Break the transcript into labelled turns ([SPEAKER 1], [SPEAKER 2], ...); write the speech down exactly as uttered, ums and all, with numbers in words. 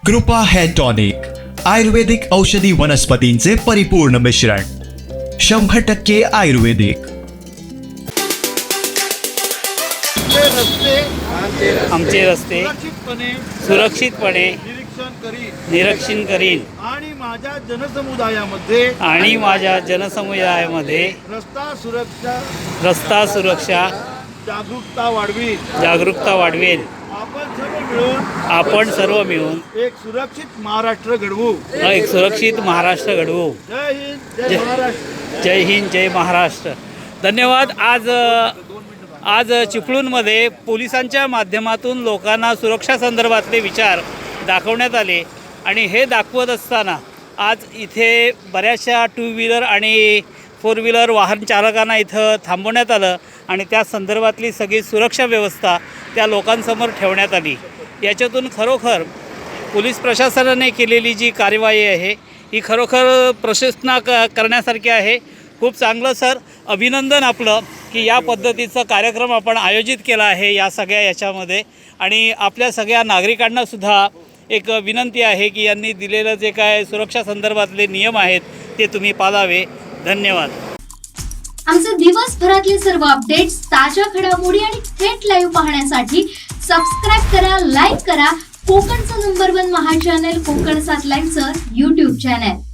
[SPEAKER 1] कृपा hair tonic, आयुर्वेदिक औषधी वनस्पतींचे परिपूर्ण मिश्रण, शंभर टक्के आयुर्वेदिक.
[SPEAKER 2] आमचे रस्ते
[SPEAKER 3] सुरक्षितपणे
[SPEAKER 2] सुरक्षितपणे
[SPEAKER 3] निरीक्षण करीन
[SPEAKER 2] निरीक्षण करीन
[SPEAKER 3] आणि माझ्या जनसमुदायामध्ये
[SPEAKER 2] आणि माझ्या जनसमुदायामध्ये
[SPEAKER 3] रस्ता सुरक्षा
[SPEAKER 2] रस्ता सुरक्षा
[SPEAKER 3] जागरूकता वाढवी.
[SPEAKER 2] जागरूकता वाढवेल.
[SPEAKER 3] आपण सर्व मिळून
[SPEAKER 2] आपण सर्व मिळून
[SPEAKER 3] एक सुरक्षित महाराष्ट्र घडवू.
[SPEAKER 2] एक सुरक्षित महाराष्ट्र घडवू.
[SPEAKER 3] जय हिंद, जय
[SPEAKER 2] जय-
[SPEAKER 3] महाराष्ट्र.
[SPEAKER 2] जय हिंद, जय महाराष्ट्र. धन्यवाद. आज आज चिपळूणमध्ये पोलिसांच्या माध्यमातून लोकांना सुरक्षा संदर्भातले विचार दाखवण्यात आले आणि हे दाखवत असताना आज इथे बऱ्याचशा टू व्हीलर आणि फोर व्हीलर वाहन चालकांना इथं थांबवण्यात आलं आणि त्या संदर्भातली सगळी सुरक्षा व्यवस्था त्या लोकांसमोर ठेवण्यात आली. याच्यातून खरोखर पोलीस प्रशासनाने केलेली जी कार्यवाही आहे ही खरोखर प्रशंसना क करण्यासारखी आहे. खूप चांगलं सर, अभिनंदन आपलं की या पद्धतीचा कार्यक्रम आपण आयोजित केला आहे या सगळ्या याच्यामध्ये. आणि आपल्या सगळ्या नागरिकांनासुद्धा एक विनंती आहे की यांनी दिलेलं जे काय सुरक्षा संदर्भातले नियम आहेत ते तुम्ही पाळावे. धन्यवाद.
[SPEAKER 4] आमचे दिवसभरातले सर्व अपडेट्स, ताज्या घडामोडी आणि थेट लाईव्ह पाहण्यासाठी सबस्क्राईब करा, लाईक करा कोकणचं नंबर वन महा चॅनल कोकण सात लाईव्हचं यूट्यूब चॅनल.